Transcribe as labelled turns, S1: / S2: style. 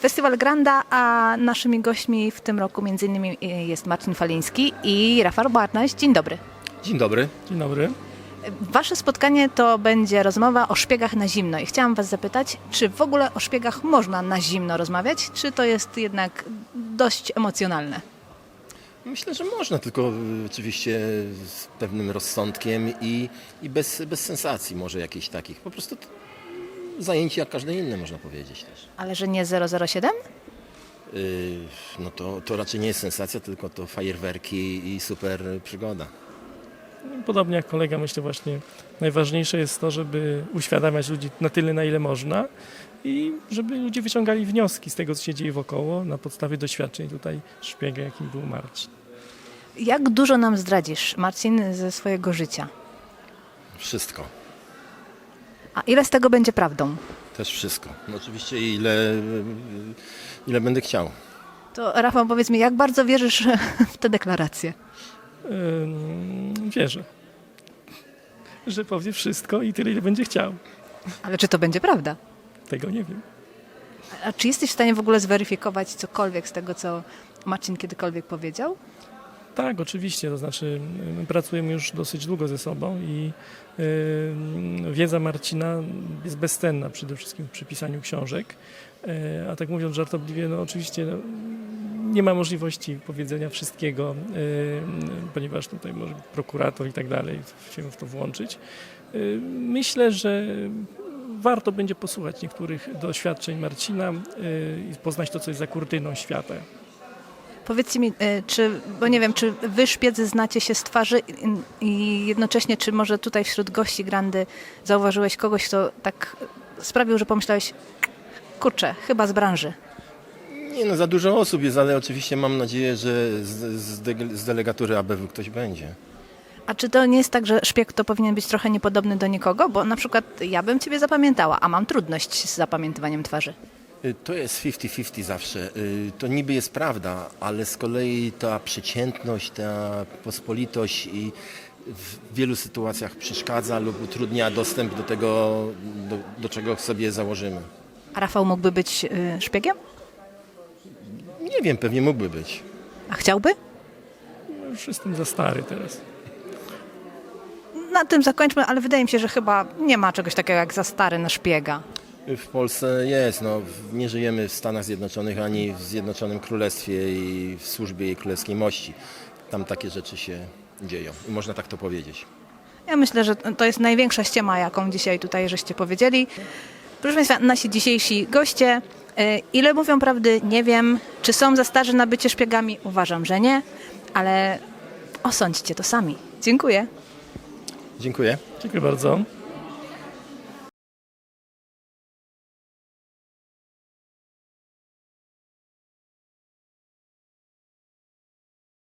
S1: Festiwal Granda, a naszymi gośćmi w tym roku m.in. jest Marcin Faliński i Rafał Barnaś. Dzień dobry.
S2: Dzień dobry.
S3: Dzień dobry.
S1: Wasze spotkanie to będzie rozmowa o szpiegach na zimno i chciałam was zapytać, czy w ogóle o szpiegach można na zimno rozmawiać, czy to jest jednak dość emocjonalne?
S2: Myślę, że można, tylko oczywiście z pewnym rozsądkiem i bez sensacji może jakichś takich. Po prostu zajęcie jak każde inne, można powiedzieć też.
S1: Ale że nie 007?
S2: No to raczej nie jest sensacja, tylko to fajerwerki i super przygoda.
S3: Podobnie jak kolega, myślę właśnie, najważniejsze jest to, żeby uświadamiać ludzi na tyle, na ile można i żeby ludzie wyciągali wnioski z tego, co się dzieje wokoło na podstawie doświadczeń tutaj szpiega, jakim był Marcin.
S1: Jak dużo nam zdradzisz, Marcin, ze swojego życia?
S2: Wszystko.
S1: A ile z tego będzie prawdą?
S2: Też wszystko. No oczywiście ile będę chciał.
S1: To Rafał, powiedz mi, jak bardzo wierzysz w tę deklarację?
S3: Wierzę, że powie wszystko i tyle, ile będzie chciał.
S1: Ale czy to będzie prawda?
S3: Tego nie wiem.
S1: A czy jesteś w stanie w ogóle zweryfikować cokolwiek z tego, co Marcin kiedykolwiek powiedział?
S3: Tak, oczywiście, to znaczy my pracujemy już dosyć długo ze sobą i wiedza Marcina jest bezcenna przede wszystkim przy pisaniu książek, a tak mówiąc żartobliwie, no oczywiście nie ma możliwości powiedzenia wszystkiego, ponieważ tutaj może prokurator i tak dalej się w to włączyć. Myślę, że warto będzie posłuchać niektórych doświadczeń Marcina i poznać to, co jest za kurtyną świata.
S1: Powiedzcie mi, bo nie wiem, czy wy szpiedzy znacie się z twarzy i jednocześnie, czy może tutaj wśród gości Grandy zauważyłeś kogoś, kto tak sprawił, że pomyślałeś, kurczę, chyba z branży.
S2: Nie no, za dużo osób jest, ale oczywiście mam nadzieję, że z delegatury ABW ktoś będzie.
S1: A czy to nie jest tak, że szpieg to powinien być trochę niepodobny do nikogo? Bo na przykład ja bym ciebie zapamiętała, a mam trudność z zapamiętywaniem twarzy.
S2: To jest 50-50 zawsze. To niby jest prawda, ale z kolei ta przeciętność, ta pospolitość i w wielu sytuacjach przeszkadza lub utrudnia dostęp do tego, do czego sobie założymy.
S1: A Rafał mógłby być szpiegiem?
S2: Nie wiem, pewnie mógłby być.
S1: A chciałby?
S3: No już jestem za stary teraz.
S1: Na tym zakończmy, ale wydaje mi się, że chyba nie ma czegoś takiego jak za stary na szpiega.
S2: W Polsce jest, no, nie żyjemy w Stanach Zjednoczonych ani w Zjednoczonym Królestwie i w służbie jej królewskiej mości. Tam takie rzeczy się dzieją i można tak to powiedzieć.
S1: Ja myślę, że to jest największa ściema, jaką dzisiaj tutaj żeście powiedzieli. Proszę Państwa, nasi dzisiejsi goście, ile mówią prawdy, nie wiem. Czy są za starzy na bycie szpiegami? Uważam, że nie, ale osądźcie to sami. Dziękuję.
S2: Dziękuję.
S3: Dziękuję bardzo.